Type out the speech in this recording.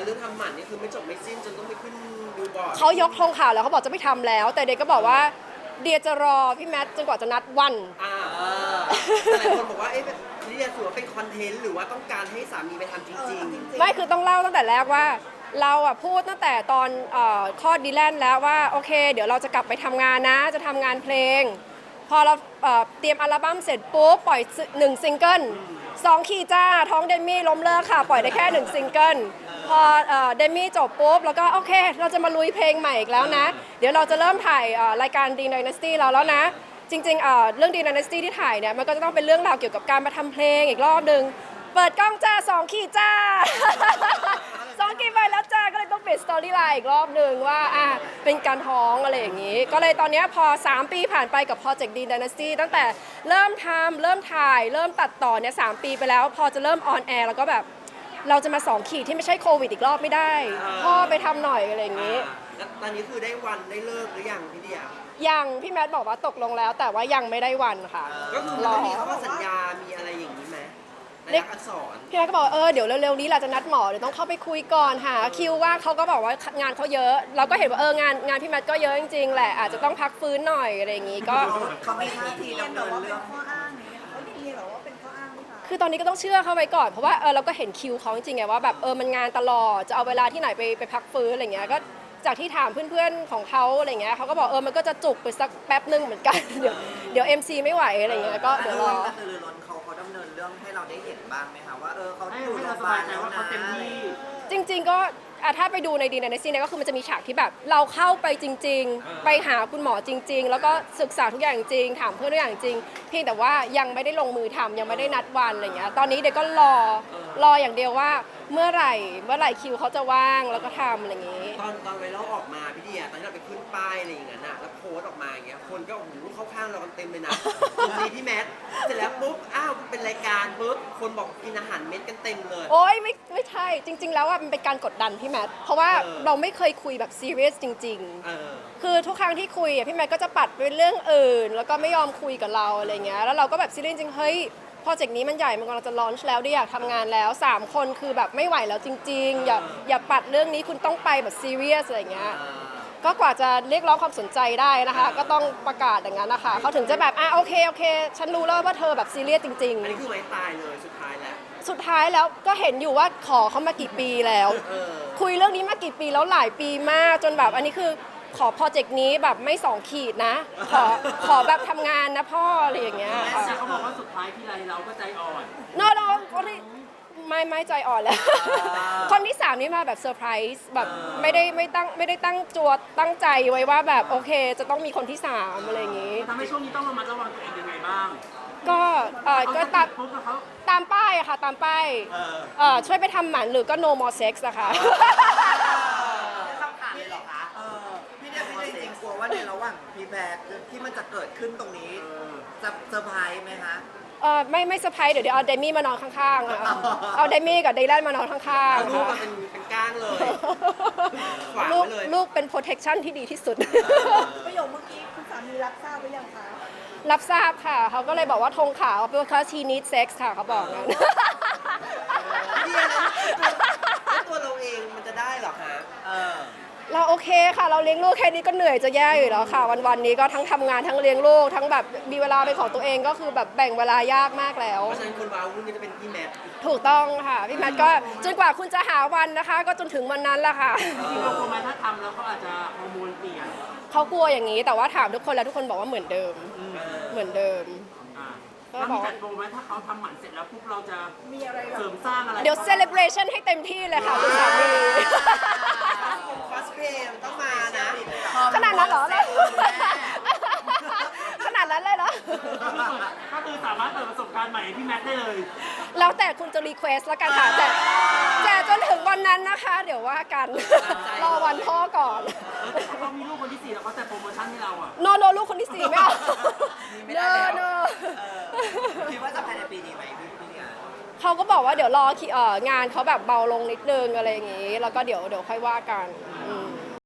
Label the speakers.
Speaker 1: รื่องทำหมันนี่คือไม่จบไม่สิ้นจนต้องไปขึ้นดูบอร์ด
Speaker 2: เขายกธงขาวแล้วเขาบอกจะไม่ทำแล้ว แต่เด็กก็บอกว่าเดียจะรอพี่แมทจนกว่าจะนัดวัน
Speaker 1: แต่หลายคนบอกว่าเอ๊ะนี่จะถือว่าเป็นคอนเทนต์หรือว่าต้องการให้สามีไปทำจริงๆ
Speaker 2: ไม่คือต้องเล่าตั้งแต่แรกว่าเราอะพูดตั้งแต่ตอนคลอดดีแลนแล้วว่าโอเคเดี๋ยวเราจะกลับไปทำงานนะจะทำงานเพลงพอเราเตรียมอัลบั้มเสร็จปุ๊บปล่อย1ซิงเกิล2ขีดจ้าท้องเดมี่ล้มเลิกค่ะปล่อยได้แค่1ซิงเกิลพอเดมี่จบปุ๊บแล้วก็โอเคเราจะมาลุยเพลงใหม่อีกแล้วนะเดี๋ยวเราจะเริ่มถ่ายรายการ D Dynasty เราแล้วนะจริงๆเรื่อง D Dynasty ที่ถ่ายเนี่ยมันก็จะต้องเป็นเรื่องราวเกี่ยวกับการมาทำเพลงอีกรอบนึงเปิดกล้องจ้า2ขีดจ้า 2 ขีดไปแล้วจ้าก็เลยต้องเปลี่ยนสตอรี่ไลน์อีกรอบนึงว่าเป็นการท้องอะไรอย่างนี้ก็เลยตอนนี้พอ3 ปีผ่านไปกับโปรเจกต์ D Dynasty ตั้งแต่เริ่มทำเริ่มถ่ายเริ่มตัดต่อเนี่ย3 ปีไปแล้วพอจะเริ่มออนแอร์แล้วก็แบบเราจะมา2 ขีดที่ไม่ใช่โควิดอีกรอบไม่ได้พ่อไปทำหน่อยอะไรอย่างนี้
Speaker 1: แล้วตอนนี้คือได้วันได้เลิกหรือยังพี่เดีย
Speaker 2: ยังพี่แมทบอกว่าตกลงแล้วแต่ว่ายังไม่ได้วันค่ะ
Speaker 1: ก็คือมันต้องมีข้อสัญญามีอะไรอย่างนี้ไหมในอักษร
Speaker 2: พี่แมทก็บอกเดี๋ยวเร็วๆนี้เราจะนัดหมอเดี๋ยวต้องเข้าไปคุยก่อนหาคิวว่าเขาก็บอกว่างานเขาเยอะเราก็เห็นว่างานพี่แมทก็เยอะจริงๆแหละอาจจะต้องพักฟื้นหน่อยอะไรอย่างนี้ก็
Speaker 3: เขาไม่ท่าทีดำเนินเรื่องข้ออ้างนี้เขาได้ยินหรอว่าเป็นข้ออ้างหรือเปล่า
Speaker 2: คือตอนนี้ก็ต้องเชื่อเขาไว้ก่อนเพราะว่าเราก็เห็นคิวเขาจริงๆไงว่าแบบมันงานตลอดจะเอาเวลาที่ไหนไปพักฟื้นอะไรเงี้ยก็จากที่ถามเพื่อนๆของเขาอะไรเงี้ยเขาก็บอกมันก็จะจุกไปสักแป๊บนึงเหมือนกันเดี๋ยว MC ไม่ไหวอะไรเงี้ยก็เดี๋ยวรอ
Speaker 3: คือล้นเขาดำเนินเรื่องให้เราได้เห็นบ้างไหมคะว่าเขาอยู่โรงพยาบาลแล้วนะ
Speaker 2: จริงๆก็ถ้าไปดูในดีในซีเนี่ยก็คือมันจะมีฉากที่แบบเราเข้าไปจริงๆไปหาคุณหมอจริงๆแล้วก็ศึกษาทุกอย่างจริงถามเพื่อนทุกอย่างจริงเพียงแต่ว่ายังไม่ได้ลงมือทำยังไม่ได้นัดวันอะไรเงี้ยตอนนี้เด็กก็รออย่างเดียวว่าเมื่อไหร่คิวเขาจะว่างแล้วก็ทำอะไรอย่างงี้
Speaker 1: ตอนไวรัลออกมาพี่เดียตอนที่เราไปขึ้นป้ายอะไรอย่างเงี้ยน่ะแล้วโพสต์ออกมาอย่างเงี้ยคนก็โอ้โหเข้าข้างเรากันเต็มเลยนะตรงนี้พี่แมทเสร็จแล้วปุ๊บเป็นรายการปุ๊บคนบอกกินอาหารเม็ดกันเต็มเลย
Speaker 2: โอ๊ยไม่ใช่จริงๆแล้วมันเป็นการกดดันพี่แมทเพราะว่าเราไม่เคยคุยแบบซีเรียสจริงๆคือทุกครั้งที่คุยพี่แมทก็จะปัดไปเรื่องอื่นแล้วก็ไม่ยอมคุยกับเราอะไรเงี้ยแล้วเราก็แบบซีเรียสจริงเฮ้ยโปรเจกต์นี้มันใหญ่มันกำลังจะลอนช์แล้วได้อยากทำงานแล้ว3 คนคือแบบไม่ไหวแล้วจริงๆอย่าปัดเรื่องนี้คุณต้องไปแบบซีเรียสอะไรเงี้ยก็กว่าจะเรียกร้องความสนใจได้นะคะก็ต้องประกาศอย่างนั้นนะคะเขาถึงจะแบบโอเคฉันรู้แล้วว่าเธอแบบซีเรียสจริงๆ
Speaker 1: อันนี้คือไม้ตายเลยสุดท้าย
Speaker 2: แล้วก็เห็นอยู่ว่าขอเขามากี่ปีแล้วคุยเรื่องนี้มากี่ปีแล้วหลายปีมากจนแบบอันนี้คือขอโปรเจกต์นี้แบบไม่2 ขีดนะขอแบบทำงานนะพ่ออะไรอย่างเงี้ย
Speaker 4: แต่เขาบอกว่าสุดท้ายที่ไรเราก็ใจอ่อน
Speaker 2: no ไม่ใจอ่อนแล้วคนที่3นี่มาแบบเซอร์ไพรส์แบบไม่ได้ตั้งใจไว้ว่าแบบโอเคจะต้องมีคนที่3อะไรอย่างงี้
Speaker 4: ทำให้ช่วงนี้ต้องระมัดระวังตัวเองยังไงบ้าง
Speaker 2: ก็ตามป้ายอะค่ะตามป้ายช่วยไปทำหมันหรือก็ no more sex อะค่ะ
Speaker 3: คำถามเลยเหรอคะพี่เนี่ยจริงกลัวว่าในระหว่างพีแบกที่มันจะเกิดขึ้นตรงนี้จะเซอร์ไพรส์ไหมคะ
Speaker 2: ไม่เซอร์ไพรส์เดี๋ยวเอาเดมี่มานอนข้างๆเอาเดมี่กับเดลันมานอนข้าง
Speaker 1: ๆลูกเป็นก้างเลย
Speaker 2: ลูกเป็น protection ที่ดีที่สุด
Speaker 3: ประโยคเมื่อกี้คุณสามีรับทราบหรือยังคะ
Speaker 2: รับทราบค่ะเขาก็เลยบอกว่าธงขาวเพราะ she needs sex ค่ะเขาบอกงั้น
Speaker 1: ตัวเราเองมันจะได้หรอคะ
Speaker 2: เราโอเคค่ะเราเลี้ยงลูกแค่นี้ก็เหนื่อยจะแย่อยู่แล้วค่ะวันนี้ก็ทั้งทำงานทั้งเลี้ยงลูกทั้งแบบมีเวลาเป็นของตัวเองก็คือแบบแบ่งเวลายากมากแล้ว
Speaker 1: เพราะฉะนั้นคนว้าวุ่นก็จะเป็นพี่แมท
Speaker 2: ถูกต้องค่ะพี่แมทก็จนกว่าคุณจะหาวันนะคะก็จนถึงวันนั้นแหละค่ะ
Speaker 4: ที่เรากลัวไหมถ้าทำแล้วเขาอาจจะฮอร์โมนเปลี่ยน
Speaker 2: เขากลัวอย่างนี้แต่ว่าถามทุกคนแล้วทุกคนบอกว่าเหมือนเดิม
Speaker 4: แล้วมีจัดโปรไหมถ้าเขาทำหมันเสร็จแล้วปุ๊บเราจะมีอะไรเสริมสร้างอะไร
Speaker 2: เดี๋ยวเซเลบรชั่นให้เต็มที่เลยค่ะคุณสามี
Speaker 1: คอสเพลย์ต้องมานะ
Speaker 2: ขนาดนั้นเหรอขนาดนั้นเลยเหรอ
Speaker 4: ก็คือสามารถเปิดประสบการณ์ใหม่ให้พี่แมทได้เลย
Speaker 2: แล้วแต่คุณจะรีเควสแล้วกันค่ะแต่จนถึงวันนั้นนะคะเดี๋ยวว่ากันรอวันพ่อก่อน
Speaker 4: เขามีลูกคนที่4แล้วเขาแต่โปรโมชั่นให้เราอะ
Speaker 2: โนลูกคนที่4ไม่เอาโน
Speaker 3: คิดว่าจะภายในปีนี้ไหมพี่เนี่ย
Speaker 2: เขาก็บอกว่าเดี๋ยวรองานเขาแบบเบาลงนิดนึงอะไรอย่างงี้แล้วก็เดี๋ยวค่อยว่ากัน